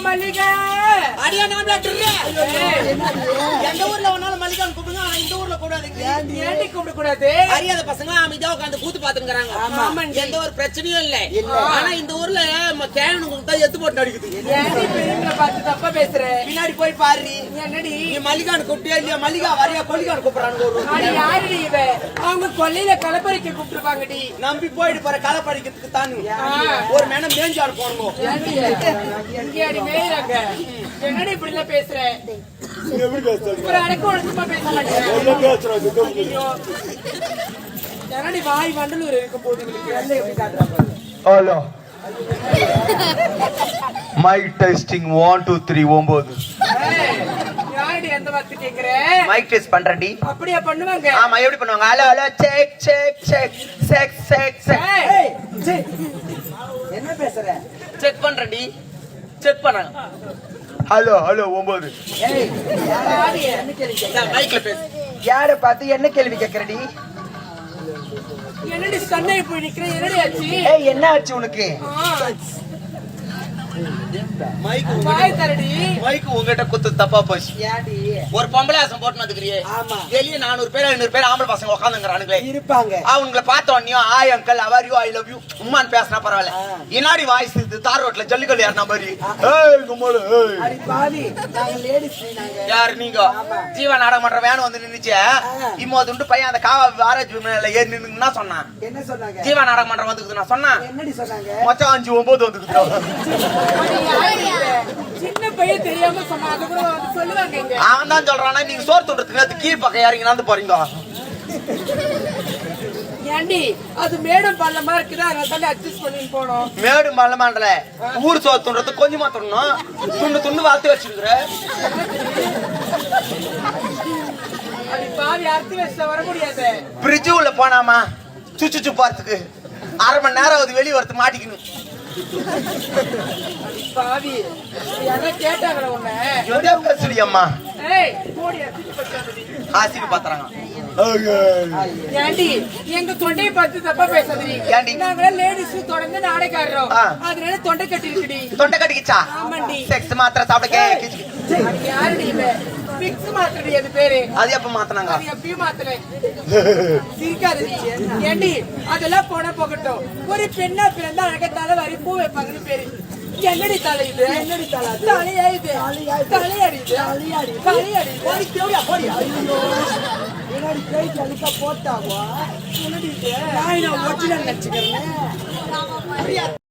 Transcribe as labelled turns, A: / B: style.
A: மல்லிகை
B: அடியா நாம எந்த ஊர்ல ஒன்னாலும் மல்லிகான்னு கூப்பிடுங்க. ஆனா இந்த ஊர்ல கூடாதுங்க.
A: ஏண்டி கூப்பிட கூடாது?
B: அறியாத பசங்க அமைதியா உட்காந்து கூத்து பாத்துக்கிறாங்க. எந்த ஒரு பிரச்சனையும் இல்ல. ஆனா இந்த ஊர்ல கேனுக்கு தான் எத்து போட்டு அடிக்குது.
A: ஏண்டி பெரியவங்களை பார்த்து தப்பா பேசுற?
B: பின்னாடி போய் பாரு.
A: என்னடி
B: நீ மல்லிகான்னு கூப்பிட்டியா இல்லையா? மல்லிகா வரையா கொல்லிகான்னு கூப்பிடுறாங்க.
A: யாருடி இவ? அவங்க கொல்லையில கலப்பறிக்க கூப்பிட்டுருப்பாங்கடி.
B: நம்பி போயிட்டு போற களப்படிக்கிறதுக்கு தானு ஒரு மேடம் மேஞ்சாடு போனோம்.
A: எங்கேயாடி மேயிறாங்க? என்னடி இப்படி எல்லாம் பேசுற? ஒரு அடக்க ஒழுக்கமா பேச மாட்டேன். என்னடி வாய் வண்டலூர் இருக்கும் போது
C: ஹலோ மைக் டெஸ்டிங் 1 2 3 9.
A: யாரடி அந்த வார்த்தை கேக்குற?
C: மைக் டெஸ்ட் பண்றேன்டி.
A: அப்படியே பண்ணுவாங்க.
C: ஆமா எப்படி பண்ணுவாங்க? Hello hello check check check check check check.
B: என்ன பேசுற?
C: செக் பண்றேன்டி. செக் பண்ணாங்க. Hello hello 9.
B: மைக்ல பேசு.
C: யார பார்த்து என்ன கேள்வி கேக்குறடி?
A: என்னடி சண்டை போய் நிக்கிற? என்னடி ஆச்சு?
C: ஏய் என்ன ஆச்சு உனக்கு?
B: மைக்
A: வாய் தரடி.
C: மைக் உங்ககிட்ட குத்து தப்பா போச்சு.
B: யாடி
C: ஒரு பொம்பளை ஆசம் போட்டு வந்துக்கிறியே.
B: ஆமா.
C: வெளியே 400 பேர் 500 பேர் ஆம்பளை பசங்க உட்காந்துங்கிறானுங்களே
B: இருப்பாங்க.
C: அவங்களை பார்த்த உடனே hi uncle how are you I love you உம்மான்னு பேசினா பரவாயில்ல. இன்னாடி வாய்ஸ் இது தார் ரோட்ல ஜல்லிக்கல் ஏறின மாதிரி. ஏய் கும்மல ஏய்
B: அடி பாவி நாங்க லேடிஸ் நாங்க.
C: யார் நீங்க? ஜீவா நாடகம் பண்ற வேன் வந்து நின்னுச்சு. இம்மோதுண்டு பையன் அந்த காவா ஆராய்ச்சி மேல ஏறி நின்னுன்னா சொன்னான்.
B: என்ன சொன்னாங்க?
C: ஜீவா நாடகம் பண்ற வந்துக்குது நான் சொன்னேன்.
B: என்னடி சொன்னாங்க?
C: மச்சான் 5 9 வந்துக்குது.
A: சின்ன பையன் தெரியாம சொன்னா அது கூட சொல்லுவாங்க.
C: அவன் தான் சொல்றானா நீங்க சோறு துண்டுறதுக்கு அது கீழ் பக்கம் இறங்கினாந்து போறீங்க.
A: ஏண்டி அது மேடம் பள்ளமா இருக்குதா? அதனால அட்ஜஸ்ட் பண்ணி போனோம்.
C: மேடு மல்லமாண்டல ஊர் சோறு துண்டுறது கொஞ்சமா துண்ணணும். துண்டு துண்டு வாத்து வச்சிருக்கிற.
A: அது பாவி அறுத்து வச்சா வர முடியாது.
C: பிரிட்ஜ் உள்ள போனாமா சுச்சு போறதுக்கு 1/2 மணி நேரம் அது வெளியே வரது மாட்டிக்கணும்.
A: பாவி யாரா கேட்டாங்களா உன்ன?
C: எதே பேசுடி அம்மா?
A: ஏய் போடி அடிச்சு பச்சாதடி.
C: ஆசிக்கு பாத்துறாங்க.
A: ஏண்டி எங்க தொண்டையை பார்த்து தப்பா பேசாதடி.
C: ஏண்டி?
A: நாங்க லேடிஸ் தொடர்ந்து நாடகாடுறோம். அதனால தொண்டை கட்டி இருக்குடி.
C: தொண்டை கட்டிக்கிச்சா?
A: ஆமாண்டி.
C: செக்ஸ் மாத்திரை சாப்பிட கேக்குது.
A: அது யாருடி இவ? பிக்ஸ் மாத்திரடி அது பேரு.
C: அது எப்ப மாத்துனாங்க?
A: அது எப்பயும் மாத்தல. சிரிக்காதடி. ஏண்டி அதெல்லாம் போன போகட்டும். ஒரு பெண்ணா பிறந்தா அழகா தலை வாரி பூ வைப்பாங்கன்னு பேரு. என்னடி தலை இது? என்னடி தலை? தலையா இது? தலையாடி இது? தலையாடி போடி தேவையா போடி. ஐயோ என்னடி கை கலிக்க போட்டாவா? என்னடி இது? நான் ஒரிஜினல் நினைச்சுக்கிறேன்.